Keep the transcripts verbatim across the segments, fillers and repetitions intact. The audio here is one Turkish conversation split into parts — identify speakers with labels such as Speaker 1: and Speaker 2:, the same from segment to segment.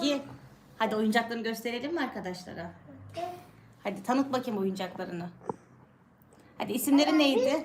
Speaker 1: Ezgi, hadi oyuncaklarını gösterelim mi arkadaşlara? Hadi tanıt bakayım oyuncaklarını. Hadi isimleri neydi?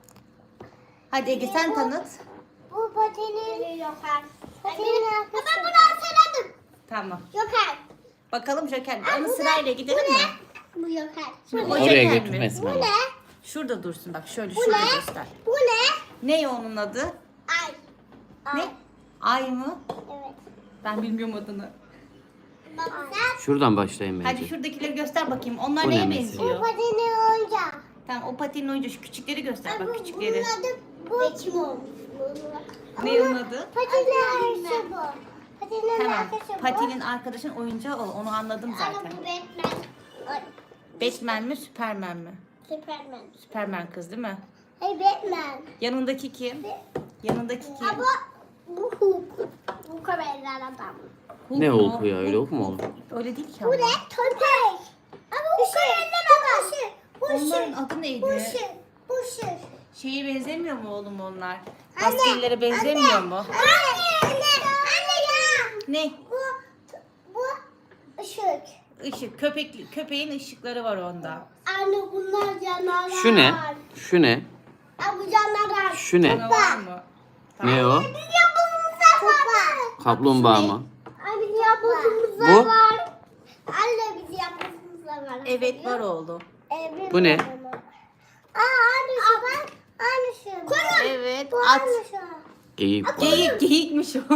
Speaker 1: Hadi Ege sen tanıt.
Speaker 2: Bu patinin Joker. Patinin arkası. Ben bunu hatırladım.
Speaker 1: Tamam.
Speaker 2: Joker.
Speaker 1: Bakalım Joker.
Speaker 2: Aa,
Speaker 1: Onu
Speaker 2: bu
Speaker 1: sırayla
Speaker 2: ne?
Speaker 1: gidelim
Speaker 2: Bu
Speaker 1: mi?
Speaker 2: ne? Bu Joker.
Speaker 1: Şimdi
Speaker 2: Bu
Speaker 1: o
Speaker 2: ne?
Speaker 3: Oraya
Speaker 1: Joker mi?
Speaker 3: götürmesin
Speaker 2: Bu
Speaker 3: ama.
Speaker 2: ne?
Speaker 1: Şurada dursun bak şöyle
Speaker 2: Bu
Speaker 1: şurada
Speaker 2: ne?
Speaker 1: göster.
Speaker 2: Bu ne?
Speaker 1: Ne onun adı?
Speaker 2: Ay.
Speaker 1: Ne? Ay mı?
Speaker 2: Evet.
Speaker 1: Ben bilmiyorum adını.
Speaker 2: Baba sen.
Speaker 3: Şuradan başlayayım bence.
Speaker 1: Hadi şuradakileri göster bakayım. Onlar
Speaker 3: Bu ne
Speaker 1: neye
Speaker 3: mesela?
Speaker 2: Bu
Speaker 1: benziyor?
Speaker 2: patinin oyuncağı.
Speaker 1: Tamam o patinin oyuncu şu küçükleri göster
Speaker 2: Ay,
Speaker 1: bak
Speaker 2: bu-
Speaker 1: küçükleri.
Speaker 2: Bunun adı bu. Bekim olmuş.
Speaker 1: Ne onun adı?
Speaker 2: Patinin arkası bu. Patinin
Speaker 1: Tamam.
Speaker 2: arkası bu.
Speaker 1: Patinin arkadaşın oyuncağı o. Onu anladım
Speaker 2: Ama
Speaker 1: zaten.
Speaker 2: bu Batman. Ay,
Speaker 1: Batman mi Superman mi?
Speaker 2: Superman.
Speaker 1: Superman kız değil mi?
Speaker 2: Hey Batman.
Speaker 1: Yanındaki kim? Yanındaki kim?
Speaker 2: Ama bu Hulk. Hulk'a benzer adam.
Speaker 1: Hulk
Speaker 3: Ne
Speaker 1: mu?
Speaker 3: Hulk'u ya, öyle Hulk mu olur?
Speaker 1: Öyle değil ki
Speaker 2: Bu
Speaker 1: ama.
Speaker 2: ne? Köpek. Ama Hulk'a benzer adam. Bu
Speaker 1: Onların
Speaker 2: şey.
Speaker 1: adı
Speaker 2: Bu
Speaker 1: neydi?
Speaker 2: şey. Bu şey.
Speaker 1: Şeye benzemiyor mu oğlum onlar?
Speaker 2: Anne,
Speaker 1: Askerlere benzemiyor
Speaker 2: anne,
Speaker 1: mu?
Speaker 2: Anne. Anne. Anne ya.
Speaker 1: Ne?
Speaker 2: Bu. Bu. Işık.
Speaker 1: Işık. Köpek, köpeğin ışıkları var onda.
Speaker 2: Anne bunlar canavar.
Speaker 3: Şu ne? Şu ne?
Speaker 2: Aa, bu canavar.
Speaker 3: Şu ne?
Speaker 1: Canavar mı?
Speaker 3: Ne o?
Speaker 2: Biz yapımızda var.
Speaker 3: Kaplumbağa mı?
Speaker 2: Anne biz yapımızda
Speaker 3: Bu?
Speaker 2: var. Anne biz yapımızda var.
Speaker 1: Evet var oğlum.
Speaker 2: Evet,
Speaker 3: Bu ne?
Speaker 2: var ama. Aa aynısı bak. Aynısı. Koyun.
Speaker 1: Evet
Speaker 2: Bu
Speaker 1: at.
Speaker 2: aynısı.
Speaker 3: Geyik.
Speaker 1: Geyik, geyikmiş o.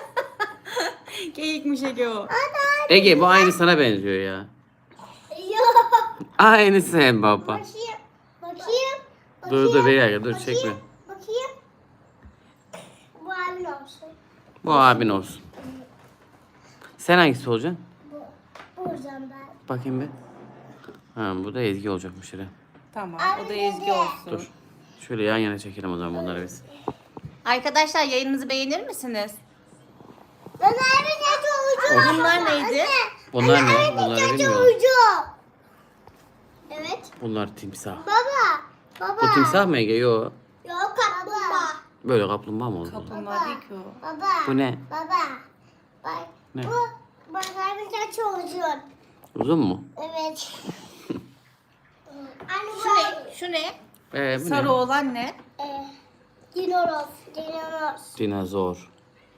Speaker 1: Geyikmiş Ege o.
Speaker 2: Hadi hadi.
Speaker 3: Ege bu aynı sana benziyor ya.
Speaker 2: Yok.
Speaker 3: Aynısı hem baba.
Speaker 2: Bakayım. Bakayım.
Speaker 3: Dur dur bir dakika dur
Speaker 2: Bakayım.
Speaker 3: çekme.
Speaker 2: Bakayım. Bu abin olsun.
Speaker 3: Bu abin olsun. Sen hangisi olacaksın?
Speaker 2: Bu. Buradan ben.
Speaker 3: Bakayım bir. Ha bu da Ezgi olacakmış hele.
Speaker 1: Tamam o da
Speaker 2: Abi
Speaker 1: Ezgi
Speaker 2: dedi.
Speaker 1: olsun.
Speaker 3: Dur. Şöyle yan yana çekelim o zaman bunları biz.
Speaker 1: Arkadaşlar yayınımızı beğenir misiniz?
Speaker 2: Ben abin ne çocuğu?
Speaker 1: Bunlar neydi?
Speaker 3: Bunlar ne?
Speaker 2: Abin
Speaker 3: Bunları
Speaker 2: ne
Speaker 3: bilmiyorum.
Speaker 2: çocuğu? Evet.
Speaker 3: Bunlar timsah.
Speaker 2: Baba. Baba.
Speaker 3: Bu timsah mı Ege? Yok.
Speaker 2: Yok kaplumbağa.
Speaker 3: Böyle kaplumbağa mı oldu?
Speaker 1: Kaplumbağa değil ki o.
Speaker 2: Baba.
Speaker 3: Bu ne?
Speaker 2: Baba. Bak.
Speaker 3: Ne?
Speaker 2: Bu. Bak abin ne çocuğu?
Speaker 3: Uzun mu?
Speaker 2: Evet. Anne
Speaker 1: Şu ne? Şu ne?
Speaker 3: Ee, bu
Speaker 1: Sarı
Speaker 3: ne?
Speaker 1: olan ne?
Speaker 2: Ee, dinozor. Dinozor.
Speaker 3: Dinozor.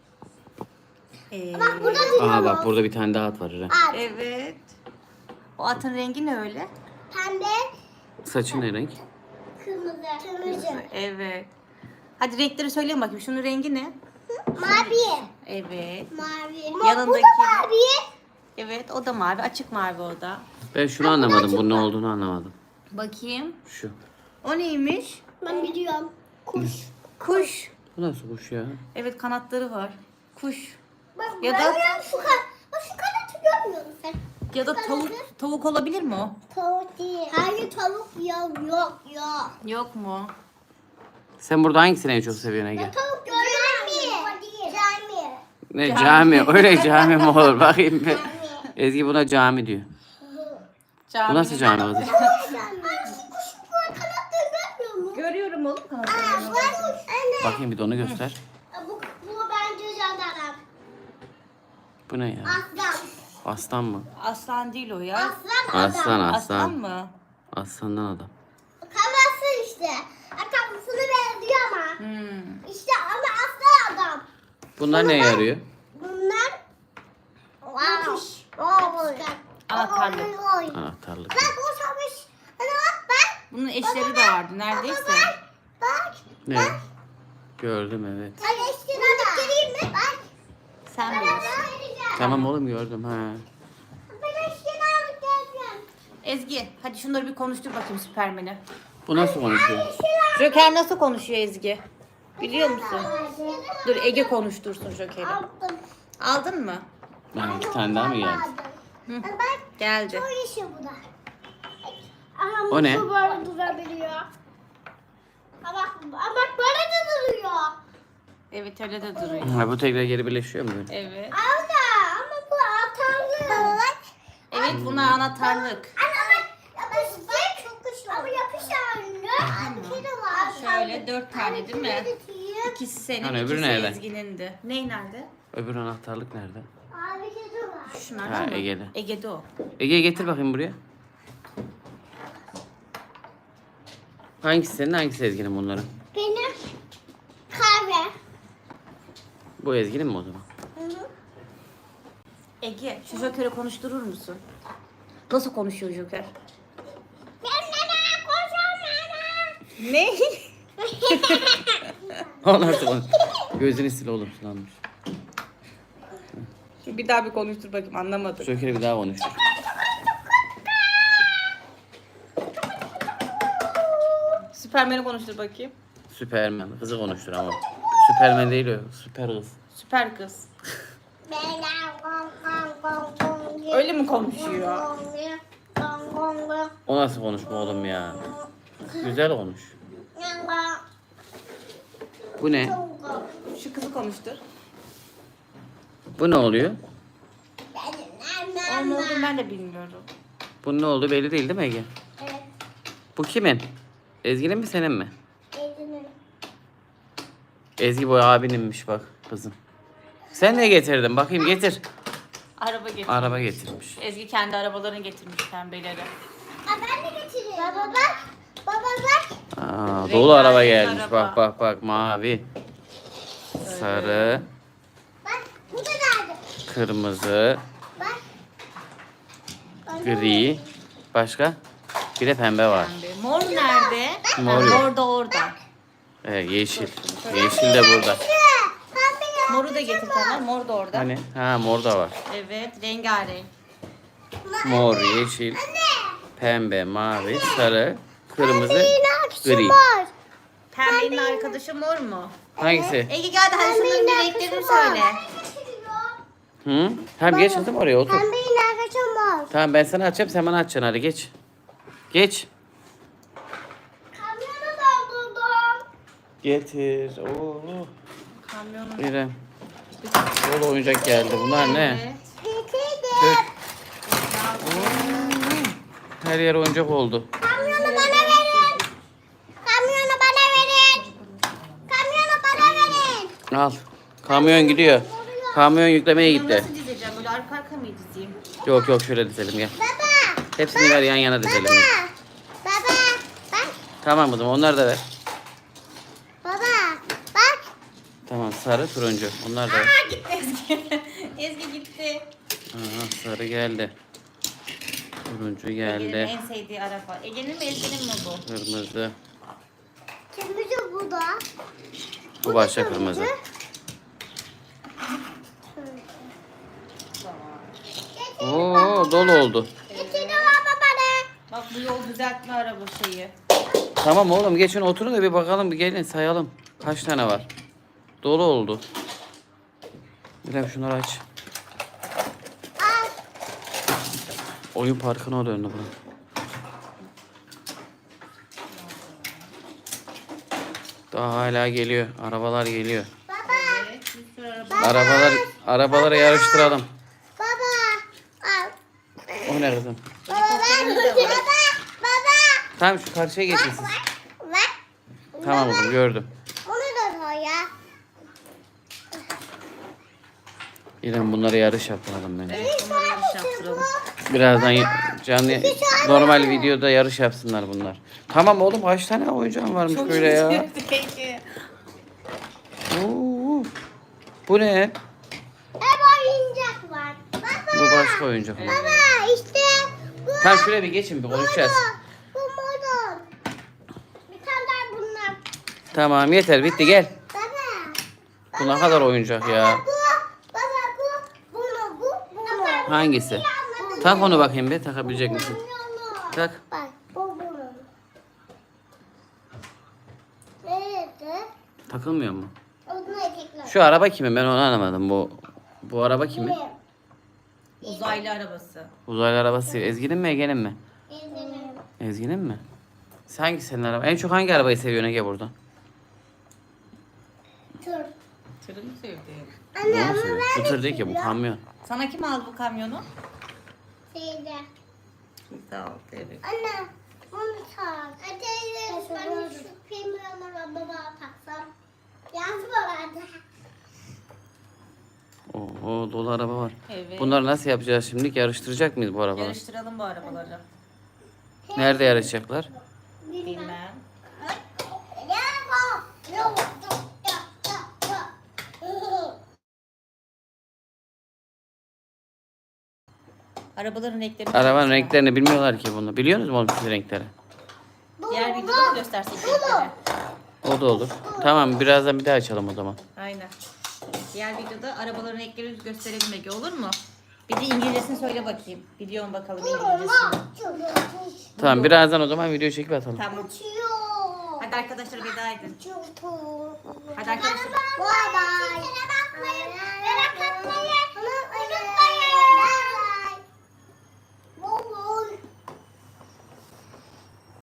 Speaker 1: Ee,
Speaker 2: Bak burada dinozor.
Speaker 3: Aha bak burada bir tane daha at var. Eren.
Speaker 2: At.
Speaker 1: Evet. O atın rengi ne öyle?
Speaker 2: Pembe.
Speaker 3: Saçı ne renk?
Speaker 2: Kırmızı. Kırmızı.
Speaker 1: Evet. Hadi renkleri söyleyin bakayım. Şunun rengi ne?
Speaker 2: Mavi.
Speaker 1: Evet.
Speaker 2: Mavi.
Speaker 1: Yanındaki-
Speaker 2: Bu da mavi.
Speaker 1: Evet o da mavi. Açık mavi o da.
Speaker 3: Ben şunu anlamadım. Bunun ne olduğunu anlamadım.
Speaker 1: Bakayım.
Speaker 3: Şu.
Speaker 1: O neymiş?
Speaker 2: Ben biliyorum. Kuş.
Speaker 1: Kuş.
Speaker 3: Bu nasıl kuş ya?
Speaker 1: Evet kanatları var. Kuş.
Speaker 2: Bak
Speaker 1: Ya
Speaker 2: ya
Speaker 1: da-
Speaker 2: da şu kan bak şu kanatı görmüyor musun sen?
Speaker 1: Ya da tavuk. Tavuk olabilir mi o?
Speaker 2: Tavuk değil. Hayır tavuk yok yok yok.
Speaker 1: Yok mu?
Speaker 3: Sen burada hangisini en çok seviyorsun Ege?
Speaker 2: Tavuk görmüyor. Cami.
Speaker 3: Ne
Speaker 1: Cami.
Speaker 3: cami? Öyle cami mi olur? Bakayım bir. Ezgi buna cami diyor. Bu nasıl cami kızım?
Speaker 2: Anne kuş bu kanatları görmüyor mu?
Speaker 1: Görüyorum oğlum
Speaker 2: Aa,
Speaker 1: kanatlarını.
Speaker 2: bu anne.
Speaker 3: Bakayım bir de onu göster.
Speaker 2: Bu, bu bence jandarma.
Speaker 3: Bu ne ya?
Speaker 2: Aslan.
Speaker 3: Aslan mı?
Speaker 1: Aslan değil o ya.
Speaker 2: Aslan adam.
Speaker 3: Aslan
Speaker 1: Aslan
Speaker 3: aslan.
Speaker 1: mı?
Speaker 3: Aslandan adam.
Speaker 2: Kafası işte. Kafasını benziyor ama.
Speaker 1: Hmm.
Speaker 2: İşte ama aslan adam.
Speaker 3: Bunlar ne yarıyor?
Speaker 2: Bunlar wow. Wow.
Speaker 1: Anahtarlık.
Speaker 3: Anahtarlık.
Speaker 2: Bak o savaş. Ana bak bak.
Speaker 1: Bunun eşleri de vardı neredeyse.
Speaker 2: Bak. Bak.
Speaker 3: Ne? Gördüm evet.
Speaker 2: Ay eşkine göstereyim mi? Bak.
Speaker 1: Sen
Speaker 2: Ben
Speaker 1: bilirsin.
Speaker 2: vereceğim.
Speaker 3: Tamam oğlum gördüm ha.
Speaker 2: Ben eşkine alıp geleceğim.
Speaker 1: Ezgi hadi şunları bir konuştur bakayım Süpermen'i.
Speaker 3: Bu nasıl konuşuyor?
Speaker 1: Joker nasıl konuşuyor Ezgi? Biliyor musun? Dur Ege konuştursun Joker'i.
Speaker 2: Aldım.
Speaker 1: Aldın mı?
Speaker 3: Ha, iki tane daha mı geldi?
Speaker 1: Hı.
Speaker 2: Bak.
Speaker 1: Geldi.
Speaker 2: Çok işi bu da. Aha,
Speaker 3: O ne?
Speaker 2: Bu böyle durabiliyor. Ama bak, ama bak böyle de duruyor.
Speaker 1: Evet öyle de duruyor.
Speaker 3: Ha, bu tekrar geri birleşiyor mu? böyle?
Speaker 1: Evet.
Speaker 2: Abla ama bu atarlı. Bak.
Speaker 1: Evet buna anahtarlık.
Speaker 2: Ana bak. Yapıştır. Çok güçlü. Ama yapıştır. Bir kere var.
Speaker 1: Şöyle dört tane değil mi? İkisi senin,
Speaker 3: Hani öbürü
Speaker 1: ikisi
Speaker 3: nerede?
Speaker 1: Ezgi'nin de. Ney nerede?
Speaker 3: Öbür anahtarlık nerede?
Speaker 2: Abi kedi
Speaker 1: Şunlardan
Speaker 3: Ha,
Speaker 1: mı?
Speaker 3: Ege'de.
Speaker 1: Ege'de o.
Speaker 3: Ege getir bakayım buraya. Hangisi senin, hangisi Ezgi'nin bunların?
Speaker 2: Benim kahve.
Speaker 3: Bu Ezgi'nin mi o zaman?
Speaker 2: Hı hı.
Speaker 1: Ege, şu Joker'i konuşturur musun? Nasıl konuşuyor Joker? Ne?
Speaker 3: O nasıl konuş? Gözünü sil oğlum, sulanmış.
Speaker 1: Bir daha bir konuştur bakayım, anlamadım.
Speaker 3: Joker'i bir daha konuştur.
Speaker 1: Süpermen'i konuştur bakayım.
Speaker 3: Süpermen. Kızı konuştur ama. Süpermen değil o. Süper kız.
Speaker 1: Süper kız. Öyle mi konuşuyor?
Speaker 3: O nasıl konuşma oğlum ya? Güzel konuş. Bu ne?
Speaker 1: Şu kızı konuştur.
Speaker 3: Bu ne oluyor?
Speaker 1: Onun ne olduğunu ben de bilmiyorum.
Speaker 3: Bu ne oldu belli değil değil mi Ege?
Speaker 2: Evet.
Speaker 3: Bu kimin? Ezgi'nin mi senin mi?
Speaker 2: Ezgi'nin.
Speaker 3: Ezgi bu abininmiş bak kızım. Sen ne getirdin? Bakayım getir.
Speaker 1: Araba getir.
Speaker 3: Araba getirmiş.
Speaker 1: Ezgi kendi arabalarını getirmiş pembeleri.
Speaker 2: Aa, ben de getireyim. Baba bak. Baba bak.
Speaker 3: Aa, dolu araba
Speaker 1: Rengarenk
Speaker 3: gelmiş.
Speaker 1: araba.
Speaker 3: Bak bak bak mavi. Sarı,
Speaker 2: Bak. Bu da nerede?
Speaker 3: kırmızı,
Speaker 2: Bak.
Speaker 3: gri. Başka? Bir de pembe var.
Speaker 1: Pembe. Mor nerede?
Speaker 3: Mor
Speaker 1: Ha,
Speaker 3: yok.
Speaker 1: mor da orada.
Speaker 3: Evet, yeşil. Yeşil de burada.
Speaker 2: Pembe.
Speaker 1: Moru da getir tamam. Mor da orada.
Speaker 3: Hani? Ha mor da var.
Speaker 1: Evet, rengarenk.
Speaker 3: Mor, yeşil, pembe, mavi, sarı, kırmızı, gri.
Speaker 2: Var.
Speaker 1: Pembenin arkadaşı mor mu?
Speaker 3: Hangisi?
Speaker 1: Ege gel de hadi şunların bir renklerini söyle.
Speaker 3: Hı? Tamam geç kızım oraya otur.
Speaker 2: Pembenin arkadaşı var.
Speaker 3: Tamam ben sana açacağım, sen bana açacaksın, hadi geç. Geç.
Speaker 2: Kamyonu doldurdum.
Speaker 3: Getir. Oo.
Speaker 1: Kamyonun.
Speaker 3: İrem. Dolu oyuncak geldi. Bunlar ne?
Speaker 1: Evet.
Speaker 3: Dök. Her yer oyuncak oldu.
Speaker 2: Kamyonu bana verin. Kamyonu bana verin. Kamyonu bana verin.
Speaker 3: Al. Kamyon gidiyor. Kamyon yüklemeye
Speaker 1: Bunu
Speaker 3: gitti.
Speaker 1: nasıl dizeceğim? Böyle arka arka mı dizeyim?
Speaker 3: Yok yok şöyle dizelim gel.
Speaker 2: Baba.
Speaker 3: Hepsini ver yan yana dizelim.
Speaker 2: Baba. Baba. Bak.
Speaker 3: Tamam kızım onları da ver.
Speaker 2: Baba. Bak.
Speaker 3: Tamam sarı turuncu. Onlar da ver.
Speaker 1: Aa gitti Ezgi. Ezgi gitti.
Speaker 3: Aha, sarı geldi. Turuncu
Speaker 1: Ege'nin
Speaker 3: geldi.
Speaker 1: en sevdiği araba. Ege'nin mi Ezgi'nin mi bu?
Speaker 3: Kırmızı.
Speaker 2: Kırmızı bu da.
Speaker 3: Bu başka kırmızı. Oo dolu oldu.
Speaker 2: Getir baba bana.
Speaker 1: Bak bu yol düzeltme araba şeyi.
Speaker 3: Tamam oğlum geçin oturun da bir bakalım bir gelin sayalım. Kaç tane var? Dolu oldu. İrem şunları aç.
Speaker 2: Al.
Speaker 3: Oyun parkına döndü bu. Daha hala geliyor. Arabalar geliyor.
Speaker 2: Baba.
Speaker 1: Evet bir sürü araba.
Speaker 3: Arabalar arabaları yarıştıralım.
Speaker 2: Baba. Al.
Speaker 3: O ne kızım?
Speaker 2: Baba bak. Baba. Baba.
Speaker 3: Tamam şu karşıya geçin siz.
Speaker 2: Bak.
Speaker 3: Tamam oğlum gördüm.
Speaker 2: Onu da koy ya.
Speaker 3: İrem bunları yarış yaptıralım bence.
Speaker 1: Evet bunları yanlış yaptıralım.
Speaker 3: Birazdan ya- canlı normal videoda yarış yapsınlar bunlar. Tamam oğlum kaç tane oyuncağın varmış
Speaker 1: Çok
Speaker 3: böyle ya.
Speaker 1: iyi. Peki.
Speaker 3: Oo. Bu ne?
Speaker 2: Hep oyuncak var. Baba.
Speaker 3: Bu başka oyuncak.
Speaker 2: Baba işte bu.
Speaker 3: Tamam şuraya bir geçin bir konuşacağız.
Speaker 2: Bu model. Bir tane daha bunlar.
Speaker 3: Tamam yeter bitti gel.
Speaker 2: Baba.
Speaker 3: Bu ne kadar oyuncak ya.
Speaker 2: Bu. Baba bu. Bunu bu. Bunu.
Speaker 3: Hangisi? Tak onu bakayım bir takabilecek misin? Tak.
Speaker 2: Bak bu bunun. Nerede?
Speaker 3: Takılmıyor mu?
Speaker 2: Onu ekler.
Speaker 3: Şu araba kimin ben onu anlamadım. Bu bu araba kimin?
Speaker 1: Uzaylı arabası.
Speaker 3: Uzaylı arabası Ezgi'nin mi Ege'nin mi?
Speaker 2: Benim.
Speaker 3: Ezgi'nin mi? Sen hangi senin araba? En çok hangi arabayı seviyorsun Ege burada?
Speaker 2: Tur.
Speaker 1: Tırını sevdi.
Speaker 3: Bu mu seviyor? Bu tır değil ki bu kamyon.
Speaker 1: Sana kim aldı bu kamyonu?
Speaker 2: Şeyde.
Speaker 1: Sağ ol. Evet.
Speaker 2: Anne. Onu tak. Hadi ben şu filmi baba taksam. Yaz bana.
Speaker 3: Oo, dolu araba var.
Speaker 1: Evet.
Speaker 3: Bunları nasıl yapacağız şimdi? Yarıştıracak mıyız bu arabaları?
Speaker 1: Yarıştıralım bu arabaları.
Speaker 3: Nerede yarışacaklar?
Speaker 1: Bilmem. Arabaların renklerini
Speaker 3: Arabanın
Speaker 1: göster.
Speaker 3: renklerini bilmiyorlar ki bunu. Biliyorsunuz mu oğlum siz renkleri?
Speaker 1: Diğer videoda mı göstersek renkleri?
Speaker 3: O da olur. Tamam birazdan bir daha açalım o zaman.
Speaker 1: Aynen. Diğer videoda arabaların renklerini gösterelim Ege, olur mu? Bir de İngilizcesini söyle bakayım. Biliyorum bakalım İngilizcesini.
Speaker 3: Tamam birazdan o zaman video çekip atalım.
Speaker 1: Tamam. Hadi arkadaşlar veda edin. Hadi arkadaşlar.
Speaker 2: Bye bye. Merak etmeyin.